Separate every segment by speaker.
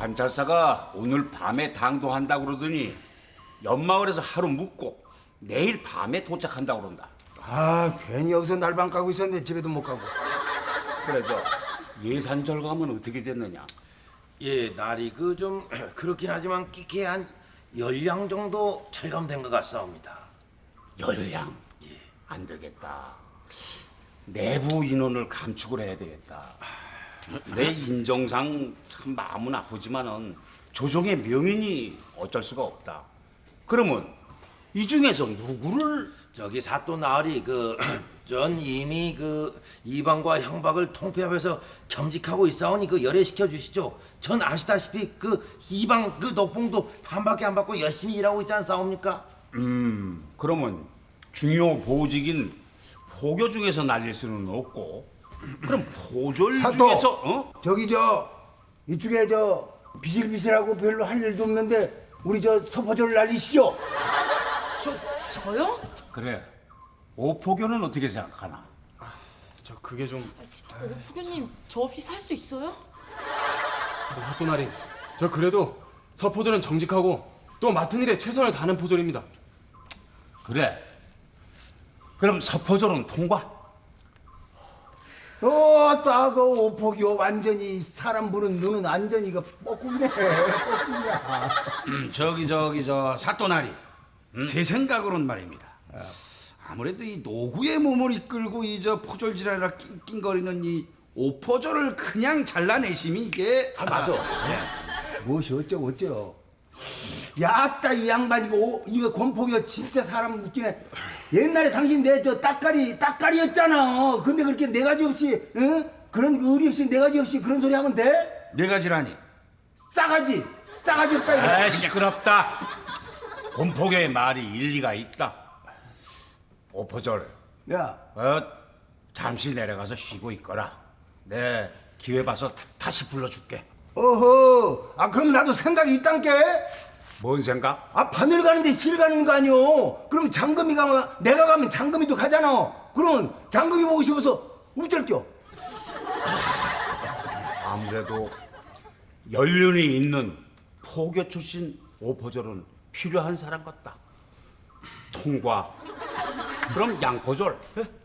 Speaker 1: 관찰사가 오늘 밤에 당도한다고 그러더니 옆마을에서 하루 묵고 내일 밤에 도착한다고 그런다.
Speaker 2: 아, 괜히 여기서 날방 까고 있었는데 집에도 못 가고.
Speaker 1: 그래서 예산 절감은 어떻게 됐느냐?
Speaker 3: 예, 날이 그 좀 그렇긴 하지만 끼케 한 10량 정도 절감된 것 같사옵니다.
Speaker 1: 열량? 안 되겠다. 내부 인원을 감축을 해야 되겠다. 내 인정상 참 마음은 아프지만은 조정의 명인이 어쩔 수가 없다. 그러면 이 중에서 누구를
Speaker 3: 저기 사또 나으리 전 이미 이방과 형박을 통폐합해서 겸직하고 있사오니 열애시켜 주시죠. 전 아시다시피 이방 녹봉도 반밖에 안 받고 열심히 일하고 있지 않사옵니까?
Speaker 1: 그러면 중요 보직인 포교 중에서 날릴 수는 없고 그럼 포졸
Speaker 2: 사또!
Speaker 1: 중에서
Speaker 2: 저기 이쪽에 비실비실하고 별로 할 일도 없는데 우리 서포저를 날리시죠.
Speaker 4: 저요?
Speaker 1: 그래 오포교는 어떻게 생각하나?
Speaker 5: 저 그게 좀
Speaker 4: 부교님 저 없이 살 수 있어요?
Speaker 5: 사또나리 저 그래도 서포졸은 정직하고 또 맡은 일에 최선을 다하는 포졸입니다.
Speaker 1: 그래 그럼 서포졸은 통과?
Speaker 2: 딱 오폭이요. 완전히 사람 보는 눈은 완전히 뻐꾸기네. 뻐꾸기야.
Speaker 6: 저 사또나리 제 생각으로는 말입니다. 아무래도 이 노구의 몸을 이끌고 이 포졸질하라 낑낑거리는 이 오포졸을 그냥 잘라내심이 이게
Speaker 3: 맞아.
Speaker 2: 무엇이 어쩌고. 야따 이 양반 이거 권폭이요. 진짜 사람 웃기네. 옛날에 당신 내 따까리였잖아. 근데 그렇게 네 가지 없이 그런 의리 없이 네 가지 없이 그런 소리 하면 돼?
Speaker 6: 네 가지라니.
Speaker 2: 싸가지 없다 이거.
Speaker 1: 아 시끄럽다. 곰포교의 말이 일리가 있다. 오포졸
Speaker 2: 야,
Speaker 1: 잠시 내려가서 쉬고 있거라. 내 기회 봐서 다시 불러줄게.
Speaker 2: 어허. 그럼 나도 생각이 있단께.
Speaker 1: 뭔 생각?
Speaker 2: 바늘 가는데 실 가는 거 아니오. 그럼 내가 가면 장금이도 가잖아. 그러면 장금이 보고 싶어서 우쩔겨.
Speaker 1: 아무래도 연륜이 있는 포교 출신 오포졸은 필요한 사람 같다. 통과. 그럼 양포졸.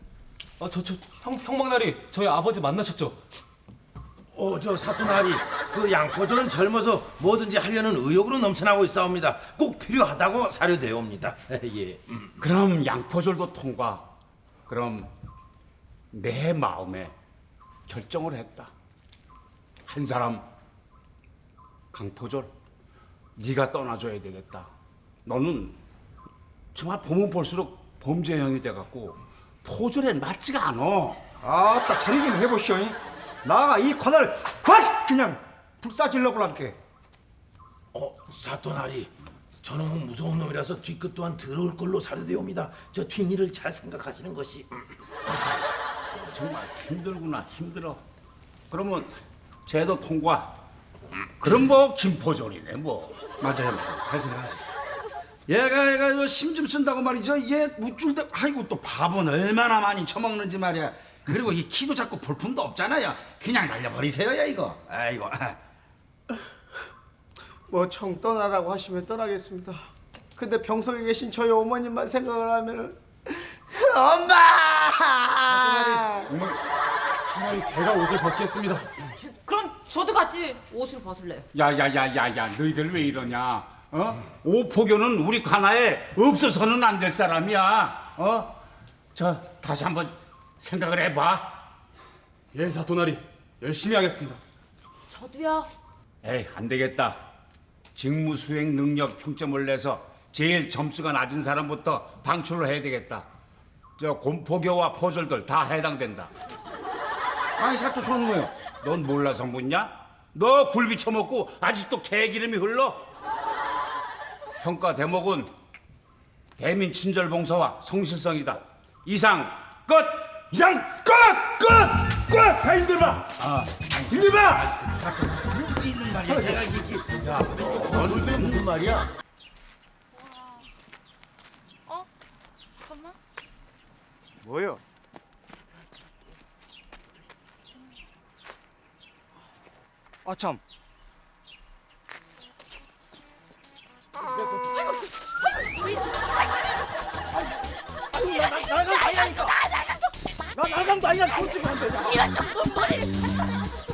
Speaker 5: 형박나리 저희 아버지 만나셨죠?
Speaker 3: 저 사또 나으리 양포졸은 젊어서 뭐든지 하려는 의욕으로 넘쳐나고 있사옵니다. 꼭 필요하다고 사료되옵니다. 예.
Speaker 1: 그럼 양포졸도 통과. 그럼 내 마음에 결정을 했다. 한 사람 강포졸 네가 떠나줘야 되겠다. 너는 정말 보면 볼수록 범죄형이 돼갖고 포졸에 맞지가 않아.
Speaker 7: 딱 차리 좀 해보시오. 나가 이 코너를 확 그냥 불사질러 볼란께.
Speaker 3: 사또 나으리 저놈은 무서운 놈이라서 뒤끝 또한 더러울 걸로 사료되옵니다. 저 뒷일을 잘 생각하시는 것이.
Speaker 1: 정말 힘들구나 힘들어. 그러면 쟤도 통과. 그럼 뭐 김포졸이네 뭐.
Speaker 6: 맞아요. 잘 생각하셨어요. 얘가 힘 좀 쓴다고 말이죠. 얘 우쭐 때 아이고 또 밥은 얼마나 많이 처먹는지 말이야. 그리고 이 키도 작고 볼품도 없잖아요. 그냥 날려버리세요, 야 이거. 아이고.
Speaker 7: 청 떠나라고 하시면 떠나겠습니다. 근데 병석에 계신 저희 어머님만 생각을 하면은 엄마!
Speaker 5: 차라리 제가 옷을 벗겠습니다.
Speaker 4: 그럼 저도 같이 옷을 벗을래요.
Speaker 1: 야야야야야 너희들 왜 이러냐? 오포교는 우리 관아에 없어서는 안 될 사람이야. 저 다시 한번 생각을 해봐.
Speaker 5: 예 사또나리 열심히 하겠습니다.
Speaker 4: 저도요.
Speaker 1: 에이 안 되겠다. 직무 수행 능력 평점을 내서 제일 점수가 낮은 사람부터 방출을 해야 되겠다. 저 곰포교와 포졸들 다 해당된다. 아니 사또 손우요. 넌 몰라서 묻냐? 너 굴비 처먹고 아직도 개기름이 흘러? 평가 대목은 대민 친절봉사와 성실성이다. 이상 끝!
Speaker 2: 이상 끝! 야, 힘들봐. 힘들봐.
Speaker 3: 있는 말이야. 제가 이게 무슨 말이야?
Speaker 4: 잠깐만.
Speaker 7: 뭐요? 참. 이방도 아니라 도둑이 안 되냐?
Speaker 4: 이런 좀 돈벌이